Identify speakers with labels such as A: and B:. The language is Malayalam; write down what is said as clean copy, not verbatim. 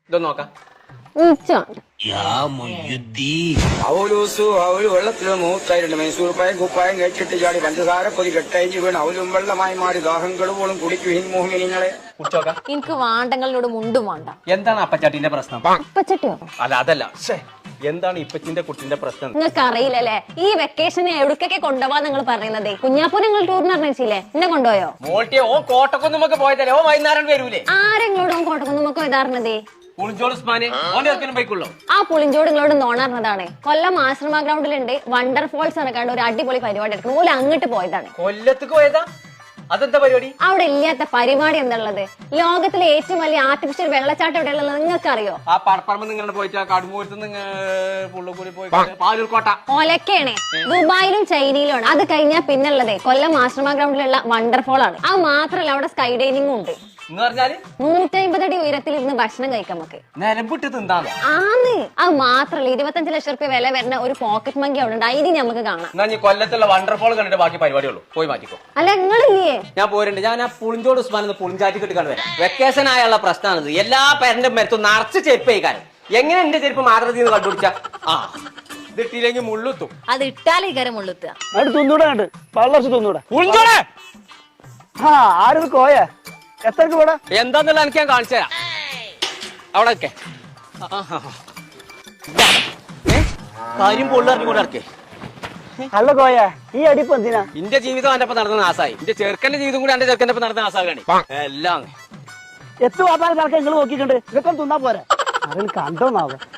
A: ഇതൊന്ന് നോക്കാം.
B: അവലൂസു അവല് വെള്ളത്തില് മൂത്തായിട്ടുണ്ട്. മൈസൂർ പായം കുപ്പായം കഴിച്ചിട്ട് ചാടി പഞ്ചസാര പൊതി കെട്ടയച്ച് വീണ് അവലും വെള്ളമായി മാറി ദാഹം കെടുവോളും കുടിക്കും മോഹിനിങ്ങളെ.
A: കുടിച്ചോക്കാം.
C: എനിക്ക് വാണ്ടങ്ങളോട് മുണ്ടും വേണ്ട.
A: എന്താണ് അപ്പച്ചാട്ടിന്റെ പ്രശ്നം?
C: അപ്പച്ചട്ടിയോ?
A: അല്ല അതല്ല, എന്താണ് ഇപ്പച്ചിന്റെ കുട്ടിന്റെ പ്രശ്നം?
C: നിങ്ങൾക്ക് അറിയില്ലല്ലേ, ഈ വെക്കേഷന് എവിടേക്കൊക്കെ കൊണ്ടുപോവാ നിങ്ങൾ പറയുന്നതേ. കുഞ്ഞാപ്പൂർ നിങ്ങൾ ടൂറിന് അറിയിച്ചില്ലേ, എന്നെ കൊണ്ടുപോയോ?
A: മോൾട്ടിയെ ഓ കോട്ടക്കൊന്നുമൊക്കെ പോയതല്ലേ, ഓ വൈകുന്നേരം വരൂലേ?
C: ആരെങ്ങളോടും കോട്ടക്കുന്നുമൊക്കെ ഇതാർന്നതേ. ആ പുളിഞ്ചോട് നിങ്ങളോട് നോണറിഞ്ഞതാണ്. കൊല്ലം ആശ്രമ ഗ്രൗണ്ടിലുണ്ട് വണ്ടർഫോൾസ് നടക്കാണ്ട് ഒരു അടിപൊളി പരിപാടി എടുക്കണം. ഓല് അങ്ങോട്ട് പോയതാണ്.
A: കൊല്ലത്തേക്ക് പോയതാ? അതെന്താ പരിപാടി?
C: അവിടെ ഇല്ലാത്ത പരിപാടി എന്താണുള്ളത്? ലോകത്തിലെ ഏറ്റവും വലിയ ആർട്ടിഫിഷ്യൽ വെള്ളച്ചാട്ടം എവിടെയുള്ളത് നിങ്ങൾക്ക് അറിയോ?
A: ആ പടപ്പറമ്പ് നിങ്ങളുടെ പോയിട്ട് കടുമ്പൂരത്ത് പുള്ളുകൂടി പോയി പാലൂർക്കോട്ട
C: ഒലക്കാണ്. ദുബായിലും ചൈനയിലുമാണ്. അത് കഴിഞ്ഞാൽ പിന്നുള്ളതേ കൊല്ലം ആശ്രമ ഗ്രൗണ്ടിലുള്ള വണ്ടർഫോൾ ആണ്. അത് മാത്രല്ല അവിടെ സ്കൈ ഡൈനിങ്ങും ഉണ്ട്. 150 അടി ഉയരത്തിലിരുന്ന് ഭക്ഷണം കഴിക്കാം നമുക്ക്. ആന്ന് അത് മാത്രല്ല 25 ലക്ഷം റുപ്യ വില വരുന്ന ഒരു പോക്കറ്റ് മങ്കി അവിടെ ഉണ്ട്. അതിന് നമുക്ക് കാണാം.
A: കൊല്ലത്തുള്ള വണ്ടർഫോൾ കണ്ടിട്ട് ബാക്കി പരിപാടിയുള്ളൂ. പോയി മാറ്റിക്കോ.
C: അല്ല നിങ്ങളില്ലേ?
A: ഞാൻ പോരുന്നുണ്ട്. ഞാൻ ആ പുളിഞ്ചോട് ഉസ്മാൻ പുളിഞ്ചാറ്റി കെട്ടി കണ്ടു വരാം. വെക്കേഷൻ ആയുള്ള പ്രശ്നമാണിത്. എല്ലാ പേരന്റെ മരത്തും നിറച്ച് ചെരുപ്പ് കഴിക്കാനും. എങ്ങനെ എന്റെ ചെരുപ്പ് മാത്രത്തിൽ നിന്ന് കണ്ടുപിടിച്ച ഇതിട്ടില്ലെങ്കിൽ മുള്ളുത്തും.
C: അത് ഇട്ടാലേ കരം മുള്ളുത്തുക.
D: തിന്നൂടാണ്ട് പള്ളർച്ച് തിന്നൂടാ.
A: പുളിഞ്ചോടെ
D: ആരും കോയ എത്രക്ക് കൂടെ
A: എന്താന്നുള്ള എനിക്ക് ഞാൻ കാണിച്ചു തരാം. അവിടെ കാര്യം പൊള്ളറിഞ്ഞു കൂടെ ഇറക്കേ.
D: അല്ല കോയ ഈ അടിപ്പ് എന്തിനാ?
A: എന്റെ ജീവിതം എന്റെ ഒപ്പം നടന്ന നാശമായി. എന്റെ ചെറുക്കന്റെ ജീവിതം കൂടി എന്റെ ചെറുക്കന്റെ ഒപ്പം നടന്ന നാശാകാണ് എല്ലാം.
D: എത്ര വാപ്പാൻ നിങ്ങൾ നോക്കിയിട്ടുണ്ട്. ഇതൊക്കെ തിന്നാ പോരാ. അതിൽ കണ്ടോന്നാവോ?